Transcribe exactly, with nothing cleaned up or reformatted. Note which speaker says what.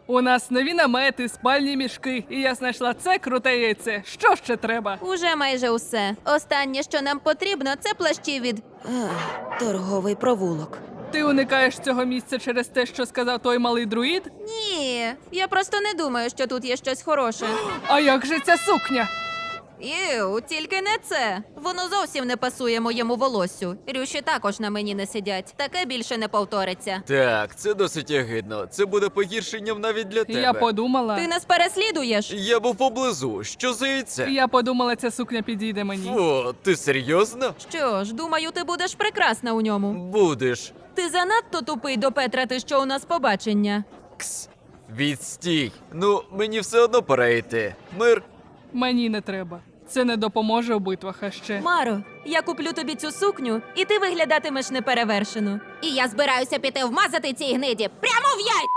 Speaker 1: У нас нові намети, спальні мішки, і я знайшла це круте яйце. Що ще треба?
Speaker 2: Уже майже усе. Останнє, що нам потрібно, це плащі від...
Speaker 3: Ах, торговий провулок.
Speaker 1: Ти уникаєш цього місця через те, що сказав той малий друїд?
Speaker 2: Ні, я просто не думаю, що тут є щось хороше.
Speaker 1: А як же ця сукня?
Speaker 2: Іу, тільки не це. Воно зовсім не пасує моєму волоссю. Рюші також на мені не сидять. Таке більше не повториться.
Speaker 4: Так, це досить ягидно. Це буде погіршенням навіть для тебе.
Speaker 1: Я подумала.
Speaker 2: Ти нас переслідуєш?
Speaker 4: Я був поблизу. Що за яйце?
Speaker 1: Я подумала, ця сукня підійде мені.
Speaker 4: О, ти серйозно?
Speaker 2: Що ж, думаю, ти будеш прекрасна у ньому.
Speaker 4: Будеш.
Speaker 2: Ти занадто тупий допетрати, що у нас побачення.
Speaker 4: Кс. Відстій. Ну, мені все одно пора йти. Мир.
Speaker 1: Мені не треба. Це не допоможе у битвах, а ще.
Speaker 2: Маро, я куплю тобі цю сукню, і ти виглядатимеш неперевершено.
Speaker 5: І я збираюся піти вмазати цій гниді прямо в яйця!